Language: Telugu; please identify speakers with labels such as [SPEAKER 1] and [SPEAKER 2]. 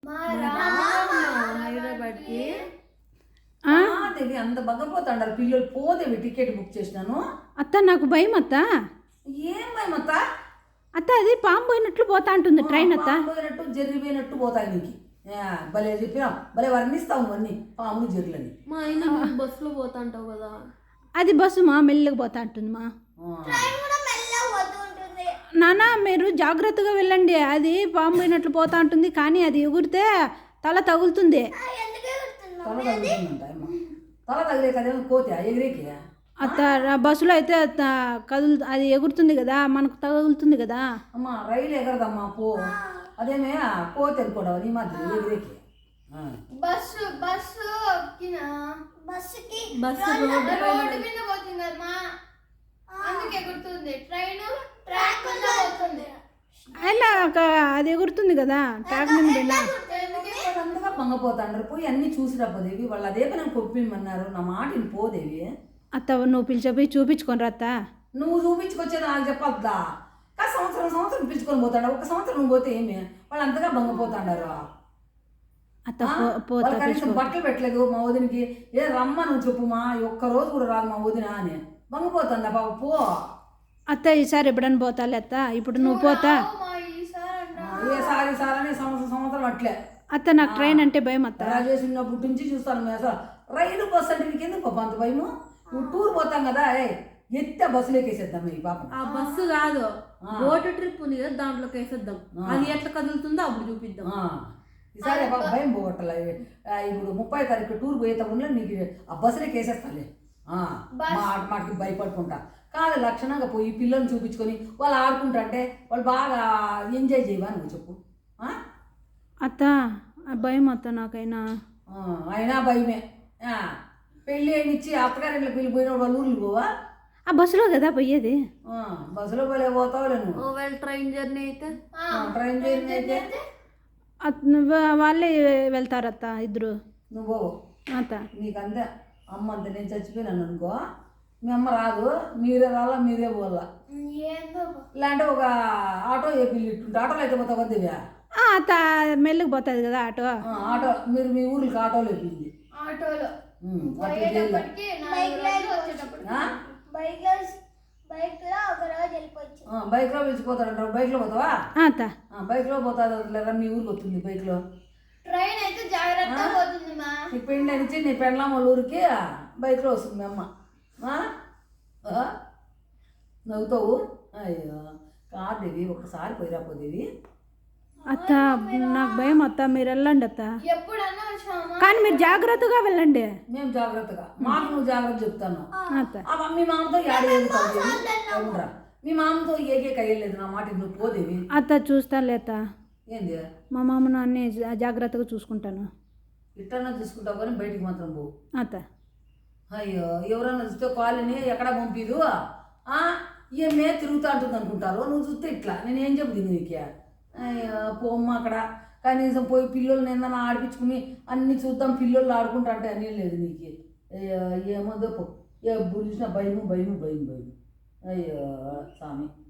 [SPEAKER 1] హైదరాబాద్కి దేవి అంత బగ్గపోతాడారు పిల్లలు పోదేవి టికెట్ బుక్ చేసినాను.
[SPEAKER 2] అత్త నాకు భయం అత్త.
[SPEAKER 1] ఏం భయం అత్త?
[SPEAKER 2] అత్త అది పాము పోయినట్లు పోతా ఉంటుంది ట్రైన్ అత్త.
[SPEAKER 1] పోయినట్టు జరిగిపోయినట్టు పోతాయి నీకు. భలే చెప్పినాం, భలే వర్ణిస్తావు అన్నీ పాములు జర్రులని.
[SPEAKER 3] మా ఆయన బస్సులో పోతా అంటావు కదా.
[SPEAKER 2] అది బస్సు మా మెల్లగా పోతా ఉంటుంది మా. నాన్న మీరు జాగ్రత్తగా వెళ్ళండి, అది పాము పోయినట్లు పోతా ఉంటుంది కానీ అది ఎగురితే తల తగులుతుంది.
[SPEAKER 1] తల తగులుతుందంట తల తగిలే కదేమో కోతే ఎగిరేకి.
[SPEAKER 2] అత్త బస్సులో అయితే అది ఎగురుతుంది కదా, మనకు తగులుతుంది కదా.
[SPEAKER 1] అమ్మా రైలు ఎగరదమ్మా పో, అదేమే కోతే అనుకోవడం నీ మాత్రం ఎగిరేకి.
[SPEAKER 4] బస్సు రోడ్డు మీద పోతుంది కదమ్మా, అందుకే ఎగురుతుంది. ట్రైన్ ట్రాక్ మీద పోతుంది,
[SPEAKER 2] అయినా అది ఎగురుతుంది కదా ట్రాక్ మీద వెళ్ళా.
[SPEAKER 1] అంతగా పొంగపోతాండ్రు పోయి అన్నీ చూసిరా పోదేవి. వాళ్ళు అదే పని కొప్పిమన్నారు, నా మాటని పోదేవి.
[SPEAKER 2] అత్త నువ్వు పిలిచిపోయి చూపించుకొని అత్త.
[SPEAKER 1] నువ్వు చూపించుకొచ్చేది నాకు చెప్పద్దా? సంవత్సరం పిలుచుకొని పోతాడు, ఒక సంవత్సరం నువ్వు పోతే ఏమి వాళ్ళు అంతగా బంగపోతాడారు.
[SPEAKER 2] అత్త
[SPEAKER 1] కనీసం బట్టలు పెట్టలేదు మా వదినికి. ఏ రమ్మ నువ్వు చెప్పు మా ఒక్కరోజు కూడా రాదు మా వదిన అని బంగపోతుందా బాబు పో.
[SPEAKER 2] అత్త ఈసారి ఎప్పుడన్నా పోతాలే అత్త, ఇప్పుడు నువ్వు పోతా.
[SPEAKER 1] ఏసారి సారని సంవత్సరం అట్లే.
[SPEAKER 2] అత్త నాకు ట్రైన్ అంటే భయం అత్త.
[SPEAKER 1] రాజేసి ఉన్నప్పటి నుంచి చూస్తాను అసలు రైలు బస్సు అంటే నీకు ఎందుకు అంత భయము? నువ్వు టూర్ పోతాం కదా ఎత్తే బస్సులో ఎక్కేసేద్దాం ఈ పాపం.
[SPEAKER 3] ఆ బస్సు కాదు, బోట్ ట్రిప్ ఉంది కదా దాంట్లోకి వేసేద్దాం, అది ఎట్లా కదులుతుందో అప్పుడు చూపిద్దాం.
[SPEAKER 1] ఈసారి భయం పోగొట్టాలి. ఇప్పుడు 30వ తారీఖు టూర్ పోయేటప్పుడు నీకు ఆ బస్సులోకి వేసేస్తాలే. మాటికి భయపడుకుంటా కాదు, లక్షణంగా పోయి పిల్లల్ని చూపించుకొని వాళ్ళు ఆడుకుంటుంటే వాళ్ళు బాగా ఎంజాయ్ చేయవా నువ్వు చెప్పు.
[SPEAKER 2] అత్త భయం అత్త నాకైనా.
[SPEAKER 1] అయినా భయమే. పెళ్ళి అయినిచ్చి అత్తగారింట్లోకి వెళ్ళిపోయినప్పుడు వాళ్ళు ఊర్లు పోవా?
[SPEAKER 2] ఆ బస్సులో కదా పోయేది.
[SPEAKER 1] బస్సులో పోలే పోతావులే నువ్వు.
[SPEAKER 3] ట్రైన్ జర్నీ అయితే
[SPEAKER 2] వాళ్ళే వెళ్తారత్త ఇద్దరు.
[SPEAKER 1] నువ్వు పోవు
[SPEAKER 2] అత్త.
[SPEAKER 1] నీకంతే అమ్మ అంతే. నేను చచ్చిపోయినాను అనుకో, మీ అమ్మ రాదు, మీరే రాలా మీరే పోవాలా. ఇలాంటి ఒక ఆటో వేపిల్లి ఇట్టుంటే ఆటోలో అయితే పోతా వద్దేవా?
[SPEAKER 2] అత్త మెల్లకి పోతుంది కదా ఆటో.
[SPEAKER 1] ఆటో మీరు మీ ఊరికి ఆటోలో వేపింది.
[SPEAKER 4] ఆటోలో
[SPEAKER 1] బైక్లో పిలిచిపోతాడంటారు. బైక్లో పోతావా?
[SPEAKER 2] అత్త
[SPEAKER 1] బైక్లో పోతాదా లేదా మీ ఊరికి వస్తుంది బైక్లో.
[SPEAKER 4] ట్రైన్ అయితే జాగ్రత్తగా పోతుంది మా.
[SPEAKER 1] నీ పెండి అనిచ్చి నీ పెండ్లాం వాళ్ళ ఊరికి బైక్లో వస్తుంది మీ అమ్మ. నవ్వుతావు. అయ్యో కాదేవి ఒకసారి పోయిరా పోదేవి.
[SPEAKER 2] అత్త నాకు భయం అత్త, మీరు వెళ్ళండి అత్త.
[SPEAKER 4] ఎప్పుడన్నా
[SPEAKER 2] కానీ మీరు జాగ్రత్తగా వెళ్ళండి.
[SPEAKER 1] మేము జాగ్రత్తగా, మాకు నువ్వు జాగ్రత్త చెప్తాను.
[SPEAKER 2] అత్త
[SPEAKER 1] మీ మామతో ఏడేవురా, మీ మామతో ఏకే కయ్యలేదు నా మాట నువ్వు పోదేవి.
[SPEAKER 2] అత్త చూస్తానులే అత్త.
[SPEAKER 1] ఏంది
[SPEAKER 2] మా మామను అన్నీ జాగ్రత్తగా చూసుకుంటాను.
[SPEAKER 1] ఇట్టన్నా చూసుకుంటావు కానీ బయటికి మాత్రం పోవు
[SPEAKER 2] అత్త.
[SPEAKER 1] అయ్యో ఎవరన్నా చూస్తే కాలనీ ఎక్కడ పంపిదు ఏమే తిరుగుతూ అంటుంది అనుకుంటారు. నువ్వు చూస్తే ఇట్లా నేనేం చెప్తుంది నీకు? అయ్యో పోమ్మ అక్కడ కనీసం పోయి పిల్లల్ని ఏదన్నా ఆడిపించుకుని అన్నీ చూద్దాం పిల్లలు ఆడుకుంటా అంటే అన్నీ లేదు నీకు. అయ్యో ఏమో పో, ఎప్పుడు చూసినా భయము. అయ్యో స్వామి.